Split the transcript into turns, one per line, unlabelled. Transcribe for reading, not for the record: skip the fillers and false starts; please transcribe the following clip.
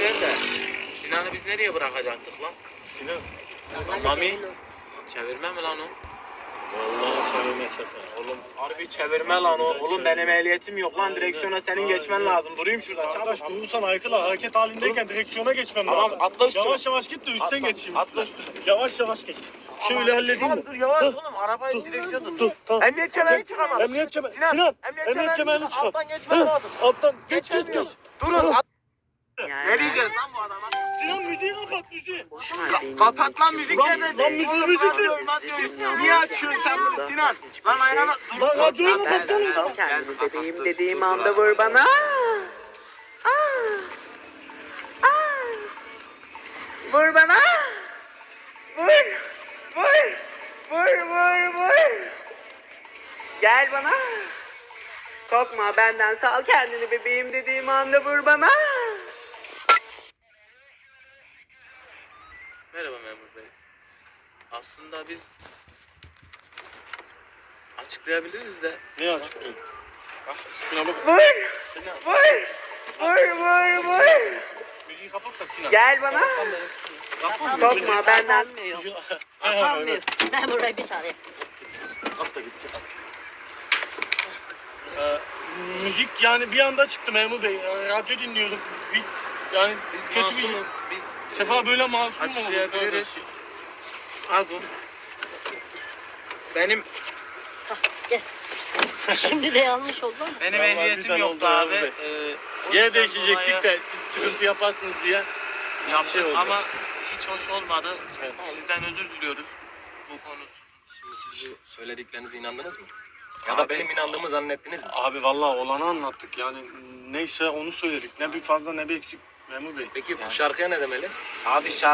ver de. Sinan'ı biz nereye bırakacaktık lan?
Sinan.
Mami. Çevirme mi lan o?
Vallahi çevirme Sefer.
Oğlum harbi çevirme lan o. Oğlum benim ehliyetim yok lan. Direksiyona senin geçmen lazım. Durayım şurada.
Arkadaş durursan Aykıl'a hareket halindeyken direksiyona geçmem
Tamam,
lazım.
atla üstüne.
Yavaş yavaş git de üstten
Atla,
geçeyim.
atla üstüne.
Yavaş yavaş geç. Şöyle halledeyim mi?
Dur yavaş
Dur,
oğlum. Arabayı direksiyonda tut.
Dur tamam.
Emniyet kemerini çıkarmadın.
Emniyet kemeri.
Sinan,
Sinan.
emniyet
Emniyet kemerini çıkar.
Alttan geçmen lazım.
Alttan geç geç geç.
Geçemiyorum. Durun. Ne diyeceğiz lan bu adama?
Sinan müziği kapat müziği.
Kapat lan müzik
Lan-
nerede?
lan müzik-
Oğlum,
müzik
ben diyorum, ben diyorum. Niye açıyorsun sen bunu Sinan? Lan ayağına dur.
Lan radyoyu mu
Ben
kapatsanız
sal
da?
kendini bebeğim dediğim anda vur bana. Vur bana. Vur. Vur. Vur vur vur. Gel bana. Korkma benden sal kendini bebeğim dediğim anda vur bana.
Merhaba memur bey. Aslında biz açıklayabiliriz de.
Ne açıklıyorsun? Bak şuna bak.
Vur. Vur. Vur vur vur.
Müziği kapat da Sinan.
Gel bana. Korkma benden.
Kapanmıyor. Ben burayı bir saniye.
At da gitsin at. Müzik yani bir anda çıktı memur bey. Radyo dinliyorduk. Biz yani
Biz
kötü bir şey.
masumuz. Biz
Sefa böyle masum mu olur?
açıklayabiliriz. Al bu. Benim
Şimdi de yanlış oldu ama.
benim
Vallahi
ehliyetim
güzel
yoktu
oldu
abi.
abi.
O
Yine
yüzden
değişecektik
dolayı
de siz sıkıntı yaparsınız diye.
yaptık
şey oldu.
ama hiç hoş olmadı.
Evet.
Sizden özür diliyoruz bu konusuz.
Şimdi siz bu söylediklerinize inandınız mı? Ya da benim inandığımı zannettiniz mi?
Abi vallahi olanı anlattık yani neyse onu söyledik. Ne bir fazla ne bir eksik memur bey.
Peki bu şarkıya ne demeli?
Abi